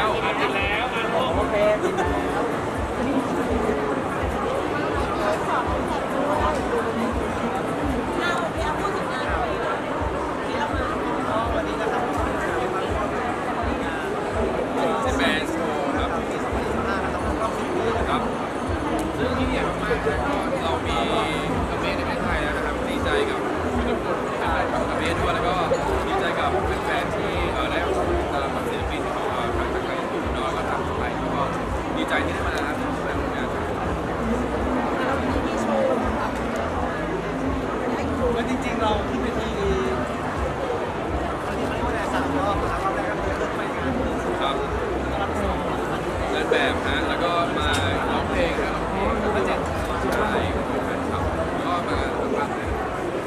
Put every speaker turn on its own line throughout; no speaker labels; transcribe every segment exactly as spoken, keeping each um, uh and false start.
อ่านติดแล้วอ่านโอเคติดแล้ววันนี้นะครับแบนโชว์ครับครับซึ่งที่ใหญ่มากๆก็เรามีกระเบนในประเทศไทยแล้วนะครับดีใจกับทุกคนที่เป็นแฟนกับกระเบนด้วยแล้วก็ดีใจกับแฟนๆที่ได้ตามศิลปินของทางไทยญี่ปุ่นเนาะแล้วก็ทางไทยก็ดีใจที่ได้มาครับในงานแล้วจริงๆเราขึ้นไปที่วันนี้มันก็ได้สามรอบนะครับรอบแรกก็คือขึ้นไปงานครับเดินแบบฮะแล้วก็มาร้องเพลงนะร้องเพลงแล้วก็แจกใช่แฟนคลับก็มาทำงานเลย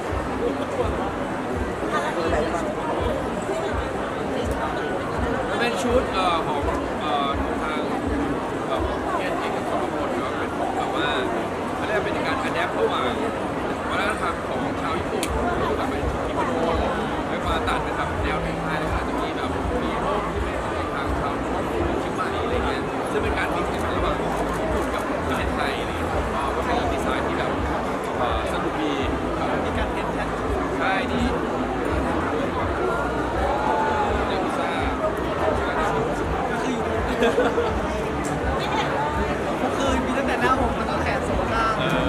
มันเป็นชุดเอ่อของเอ่อทางแบบเกียรติเอกสรพลก็เป็นของแบบว่าเขาเรียกเป็นการอัดแอประหว่างวัฒนธรรมของชาวญี่ปุ่นกับเป็นกิโมโนแล้วมาตัดเป็นแบบแนวเพลงไทยแล้วก็อาจจะมีแบบมีโลกที่เป็นทางชาวชิมมานีอะไรเงี้ยซึ่งเป็นการมิกซ์กันระหว่างญี่ปุ่นกับประเทศไทยอะไรเงี้ยก็เป็นดีไซน์ที่แบบสนุกดีมีการเต้นแท็กใช่ดีเดลิซ่าก็คืออยู่ก็คือมีตั้งแต่หน้าผมมาตั้งแขนโซล่า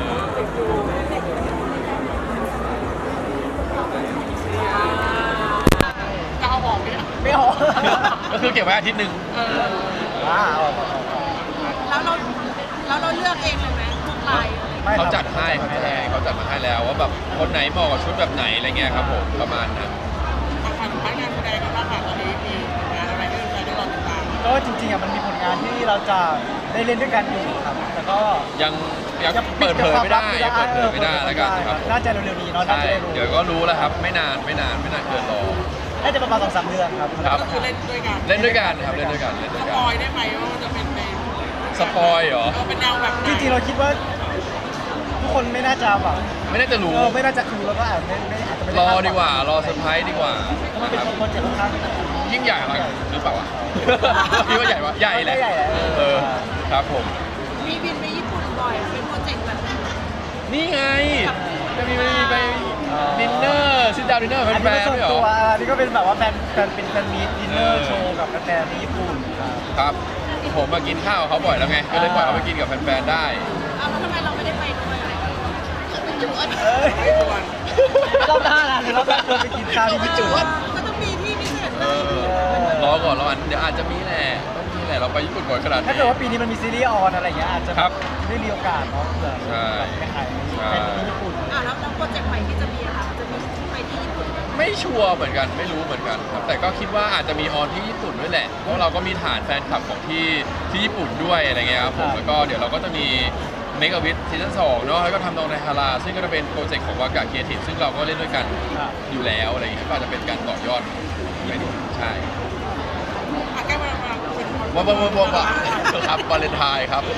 จะเอาออกไหมเนี่ยไม่ออกก็คือเก็บไว้อาทิตย์หนึ่งว้าว
แล้วเราแล้วเราเลือกเองเลยไหมพวกลาย
เขาจัดให้เขาจัดให้เขาจัดมาให้แล้วว่าแบบคนไหนเหมาะกับชุดแบบไหนอะไรเงี้ยครับผมประมาณนั้นทางผ่านงานแสดงกันบ้างค่ะตอนนี้มีงานอะไรที่เราได้รอติดตาม
ก็จริงๆอ่ะมันมีผลงานที่เราจะได้เล่นด้วยกันอยู่ครับแต่ก็
ยังยังเปิดเผยไม่ได้ยังเปิดเผยไม่ได้แล้วกันครับ
น่าจะเร็วๆนี้เนาะ
ใช่เดี๋ยวก็รู้แล้วครับไม่นานไม่นานไม่นานเกินรอ
น่าจะประมาณสองสามเดือนครับ
ครับ
ก็คือเล่นด้วยกัน
เล่นด้วยกันครับเล่นด้วยกันเล่นด้วยกัน
สปอยได้ไหมว่ามันจะเป็นใน
สปอยเหรอ
เป็นแนวแบบ
จริงๆเราคิดว่าทุกคนไม่น่าจะแบบ
ไม่น่าจะรู้
ไม่น่าจะรู้แล้วก็อาจไม่ไม่อาจจะไม่
รอดีกว่ารอเซอร์ไพรส์ดีกว่า
มันเป็นคนเจ็บข้าง
ยิ่งใหญ่หรือเปล่าวะคิดว่าใหญ่วะใหญ่แหละเออครับผม
มีบินไปญี่ปุ่นบ่อยเป็นโปรเจกต์แบบ
นี่ไงจะมีมีไปดินเนอร์ซิดดาวดินเนอร์แฟนๆไม่หรอ
อันนี้ก็เป็นแบบว่าแฟนแฟนเป็นแฟนมีดินเนอร์โชว์กับแฟนที่ญี่ปุ่น
ครับผมมากินข้าวเขาบ่อยแล้วไงก็เลยปล่อยเขาไปกินกับแฟนๆได้
อ้าวแล้วทำไมเราไม่ได้ไปด้วยเป็นจุด
เอ้ยรอบหน้านะรอบหน้าชวนไปกินข้าวที่ญี่ปุ่น
ก็ต้องมีที่พิเศษ
รอก่อนรออันเดี๋ยวอาจจะมีแหละต้องมีแหละเราไปญี่ปุ่นบ่อยขนาดนี้
ถ้าเกิดว่าปีนี้มันมีซีรีส์ออนอะไรอย่างเงี้ยอาจจะได้มีโอกาสเนาะเผื่อไปถ่ายในญี่ปุ่น
อ่าแล้วโปรเจกต์ใหม่ที่จะมีอะค่ะจะมีไปที่ญี่ปุ่น
ไม่ชัวร์เหมือนกันไม่รู้เหมือนกันครับแต่ก็คิดว่าอาจจะมีออนที่ญี่ปุ่นด้วยแหละเพราะเราก็มีฐานแฟนคลับของที่ที่ญี่ปุ่นด้วยอะไรเงี้ยครับผมแล้วก็เดี๋ยวเราก็จะมีเมกะวิทซีซั่นสองเนาะแล้วก็ทำนองในฮาราซึ่งก็จะเป็นโปรเจกต์ของวากาเคียทีฟซึ่งเราก็เล่นด้วยกันอยู่แล้วอะไรอย่างเงี้ยก็อาจจะเป็นการต่อยอดไปดูใช่
ใกล้วัน
วันวันวันวันครับวาเลนไทน์ครับ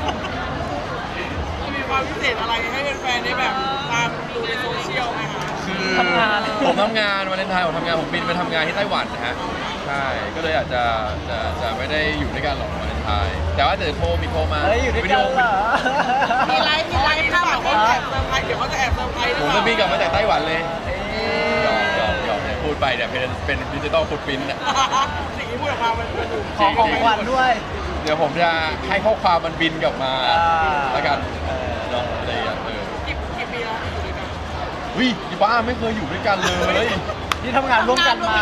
มีความพิเศษอะไรให้แฟนๆได้แบบตามดูในโซเชียลไหมคะ
คือทำงานผมทำงานวาเลนไทน์ผมทำงานผมบินไปทำงานที่ไต้หวันนะฮะใช่ก็เลยอาจจะจะจะไม่ได้อยู่ด้วยกันหรอกวาเลนไทน์แต่ว่าเดี๋ยวโทรมีโทรมา
อยู่ด้วยกันเหรอ
มีไลฟ์มีไลฟ์ภาพแบบแอบเซอร์ไพรส์เดี๋ยวเขาจะแอบเซอร์ไพรส์
ผมจะบินกลับมาจากไต้หวันเลยหยอกหยอกหยอกเนี่ยพูดไปเนี่ยเป็นเป็นดิจิตอลฟุตปรินท์
สิ่งที่พูดออกมามันเป็น
ขอของขวัญด้วย
เดี๋ยวผมจะให้ข้อความมันบินกลับมาแล้วกันเนาะอะไรอย่างเงี้ย
กี่กี่ปีแล้วอยู่ด้วยกัน
วิอีบ้าไม่เคยอยู่ด้วยกันเลย
นี่ทำงานร่วมกันมา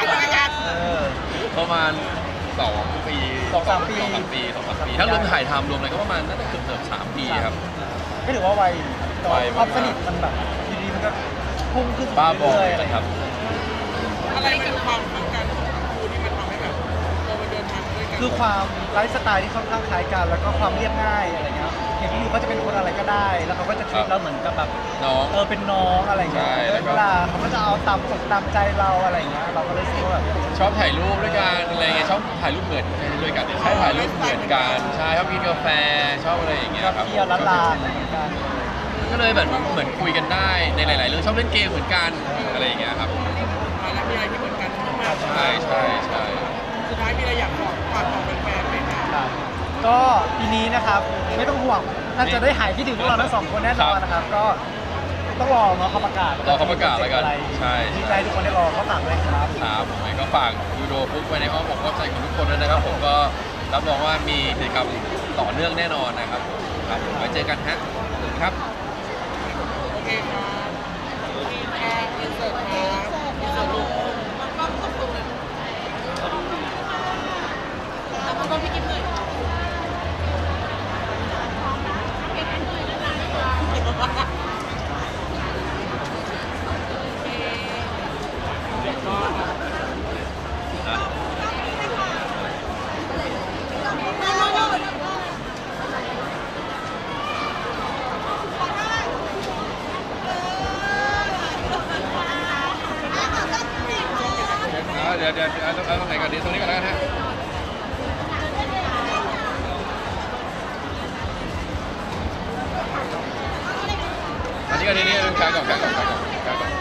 ประมาณสองปี
สองสามปี
สองสามปีสองสามปีถ้ารวมถ่ายทำรวมอะไรก็ประมาณน่าจะเกือบเกือบสามปีครับ
ไม่ถือว่าไวความสนิทมันแบบดีๆมันก็พุ่งขึ้น
บ้าบอเลยครับ
อะไรเป็นความต้องการของคู่ที่มันทำให้แบบเราไปเดินทางด้วยกัน
คือความไลฟ์สไตล์ที่ค่อนข้างคล้ายกันแล้วก็ความเรียบง่ายอะไรเงี้ยอย่างที่อยู่เขาจะเป็นคนอะไรก็ได้แล้วเขาก็จะชีวิตเราเหมือนกับแบบ
น้อง
เออเป็นน้องอะไรเงี้ยเวลาเขาก็จะเอาตามอกตามใจเราอะไรเงี้ยเราก็เลยรู้สึกว่าแบบ
ชอบถ่ายรูปด้วยกันอะไรเงี้ยชอบถ่ายรูปเหมือนด้วยกันใช่ถ่ายรูปเหมือนกันใช่ชอบกินกาแฟชอบอะไรอย่างเงี้ยครับ
เที่ยวร้านลานเหมือนกัน
ก็เลยแบบเหมือนคุยกันได้ในหลายๆเรื่องชอบเล่นเกมเหมือนกันอะไรอย่างเงี้ยครับ
แล้วมีอะไรที่เหมือนกันมาก
ใช่ใช่ใช่
สุดท้ายายมีอะไรอยากบอกฝากบอกแฟนๆไหมคะ
ครับก็ปีนี้นะครับไม่ต้องห่วงน่าจะได้หายคิดถึงพวกเราทั้งสองคนแน่นอนนะครับ ก็ต้องรอเนาะเขาประกาศ
รอเขาประกาศแล้วกัน
อะไร
ใช่
ดีใจทุกคนได้รอเขาฝากด้วยครับ
ครับผมเองก็ฝากยูโดฟุกไว้ในอ้อมอกอ้อมใจของทุกคนด้วยนะครับ ผมก็รับรองว่ามีกิจกรรมต่อเนื่องแน่นอนนะครับผมครับผมไว้เจอกันฮะครับ
โอเคครับอ่าอินเสิร์ตครับอินเสิร์ตลูก
เดี๋ยวเดี๋ยวเอาตรงไหนก่อนดีตรงนี้ก่อนแล้วกันฮะอันนี้ก่อนนี่นี่แขนก่อนแขนก่อนแขนก่อนแขนก่อน